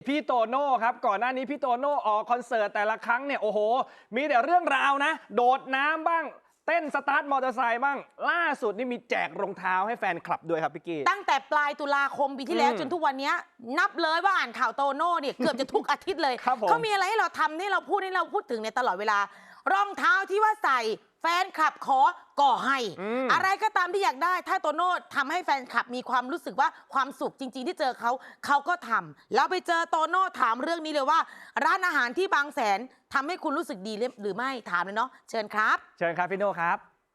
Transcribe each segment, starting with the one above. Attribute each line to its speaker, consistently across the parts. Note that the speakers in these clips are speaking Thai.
Speaker 1: พี่โตโน่ครับก่อนหน้านี้พี่โตโน่ออกคอนเสิร์ตแต่ละครั้งเนี่ยโอ้โหมีแต่เรื่องราวนะโดดน้ำบ้างเต้นสตาร์ทมอเตอร์ไซค์บ้างล่าสุดนี่มีแจกรองเท้าให้แฟนคลับด้วยครับพี่กี้
Speaker 2: ตั้งแต่ปลายตุลาคมปีที่แล้วจนทุกวันนี้นับเลยว่าอ่านข่าวโตโน่เนี่ยเกือบจะทุกอาทิตย์เลยเขามีอะไรให้เราทำให้เราพูดถึงในตลอดเวลารองเท้าที่ว่าใส่แฟนคลับขอก่อให้อะไรก็ตามที่อยากได้ถ้าโตโน่ทำให้แฟนคลับมีความรู้สึกว่าความสุขจริงๆที่เจอเขาก็ทำแล้วไปเจอโตโน่ถามเรื่องนี้เลยว่าร้านอาหารที่บางแสนทำให้คุณรู้สึกดีหรือไม่ถามเลยเนาะเชิญครับ
Speaker 1: พี่โน่ครับ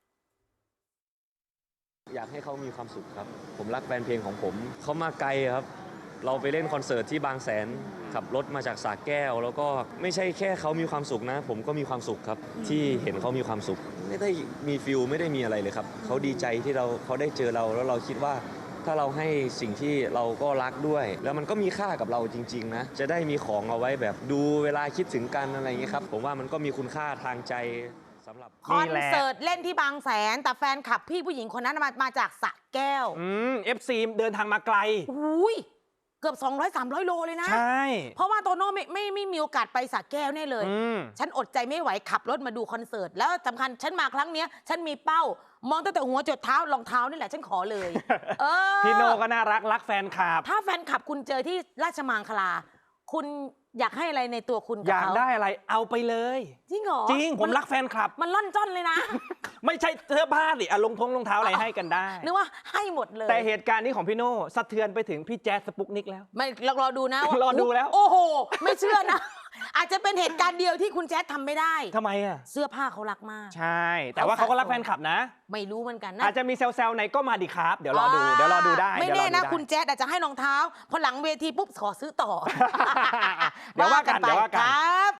Speaker 3: อยากให้เขามีความสุขครับผมรักแฟนเพลงของผมเขามาไกลครับเราไปเล่นคอนเสิร์ตที่บางแสนขับรถมาจากสระแก้วแล้วก็ไม่ใช่แค่เขามีความสุขนะผมก็มีความสุขครับที่เห็นเขามีความสุขไม่ได้มีฟิลไม่ได้มีอะไรเลยครับเขาดีใจที่เขาได้เจอเราแล้วเราคิดว่าถ้าเราให้สิ่งที่เราก็รักด้วยแล้วมันก็มีค่ากับเราจริงๆนะจะได้มีของเอาไว้แบบดูเวลาคิดถึงกันอะไรอย่างเงี้ยครับผมว่ามันก็มีคุณค่าทางใจสำหรับ
Speaker 2: คอนเสิร์ตเล่นที่บางแสนแต่แฟนคลับพี่ผู้หญิงคนนั้นมาจากสระแก้ว
Speaker 1: FC เดินทางมาไกล
Speaker 2: อุ้ยเกือบ200-300 โลเลยนะ
Speaker 1: ใช่
Speaker 2: เพราะว่าโตโน่ไม่มีโอกาสไปสระแก้วแน่เลยฉันอดใจไม่ไหวขับรถมาดูคอนเสิร์ตแล้วสำคัญฉันมาครั้งนี้ฉันมีเป้ามองตั้งแต่หัวจดเท้ารองเท้านี่แหละฉันขอเลย
Speaker 1: พี่โน่ก็น่ารักแฟนคลับ
Speaker 2: ถ้าแฟนคลับคุณเจอที่ราชมังคลาคุณอยากให้อะไรในตัวคุณกับเขา
Speaker 1: อยากได้อะไรเอาไปเลย
Speaker 2: จริงเหรอ
Speaker 1: จริงผมรักแฟนคลับ
Speaker 2: มันล่อนจ้อนเลยนะ
Speaker 1: ไม่ใช่เสื้อผ้าดิรองเท้าอะไรให้กันได้
Speaker 2: นึกว่าให้หมดเลย
Speaker 1: แต่เหตุการณ์นี้ของพี่โน่สะเทือนไปถึงพี่แจ๊สสปุกนิกแล้ว
Speaker 2: ไม่รอดูนะ
Speaker 1: รอดูแล้ว
Speaker 2: โอ้โหไม่เชื่อนะอาจจะเป็นเหตุการณ์เดียวที่คุณแจ๊สทำไม่ได้
Speaker 1: ทำไมอ่ะ
Speaker 2: เสื้อผ้าเขารักมาก
Speaker 1: ใช่แต่ว่าเขาก็รักแฟนคลับนะ
Speaker 2: ไม่รู้เหมือนกันนะ
Speaker 1: อาจจะมีแซวๆไหนก็มาดิครับเดี๋ยวรอดูได้
Speaker 2: ไม่แน่นะคุณแจ๊สอาจจะให้รองเท้าพอหลังเวทีปุ๊บขอซื้อต่อ
Speaker 1: เดี๋ยวว่ากัน